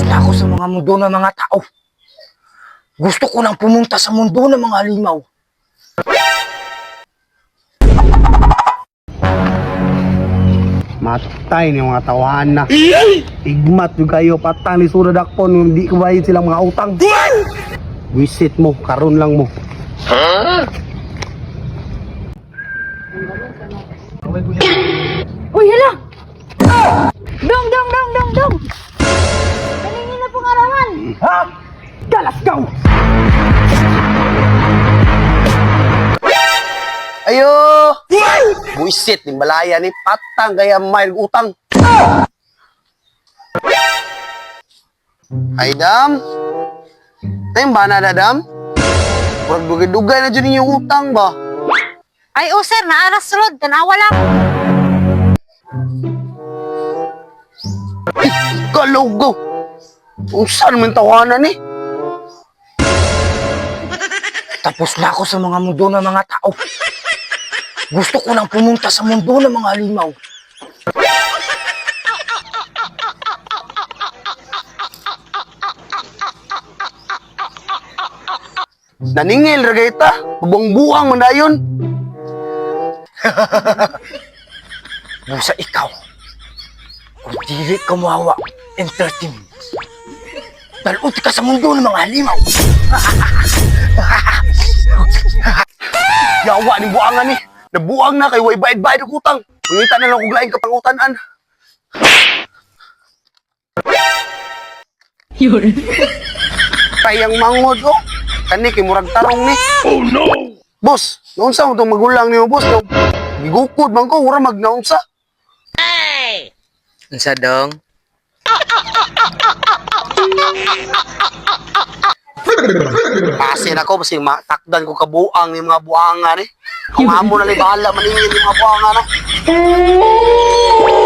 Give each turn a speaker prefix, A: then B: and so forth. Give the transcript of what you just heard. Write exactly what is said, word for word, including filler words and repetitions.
A: na ako sa mga mundo ng mga tao. Gusto ko lang pumunta sa mundo ng mga halimaw.
B: Matay ni mga tawahan na. Igmat yung kayo patang ni Surad Akpon, hindi ko bayad silang mga utang. Visit mo, karon lang mo.
C: Uy, hala! Dong, dong, dong, dong, dong! Kaningin na pong arawan!
B: Ha? Galas kau!
A: Ayo! Buisit, ni balaya ni patang gaya may utang. Ay, Dam. Tayong ba na, Dam? Huwag dugay-dugay na dyan yung utang ba?
C: Ay, oh, sir, naaras sulod, tanawa lang.
A: Galugo! Kung saan man tawanan eh? Tapos na ako sa mga mundo ng mga tao. Gusto ko lang pumunta sa mundo ng mga halimaw. Naningil, Ragayta. Bubuang-buang man na yun. Busa ikaw. Kung dili ka mawa, entertainment. Dalot ka sa mundo ng mga halimaw. Yawa ni buangan ni. Nabuang na kay way bayad-bayad og utang. Pangita na lang og laing kapangutan-an.
C: Yun.
A: Kayang mangod oh. Kani kay murag tarong ni. Oh no. Boss, naunsa mo tong magulang niyo, boss? No? Gigukod man ko, ura magnaunsa.
D: Hey! Unsa dong?
A: Pasin ako, kasi matakdan ko kabuang ni mga buangan eh. Kung amo na li bahala maningin yung mga buangan na.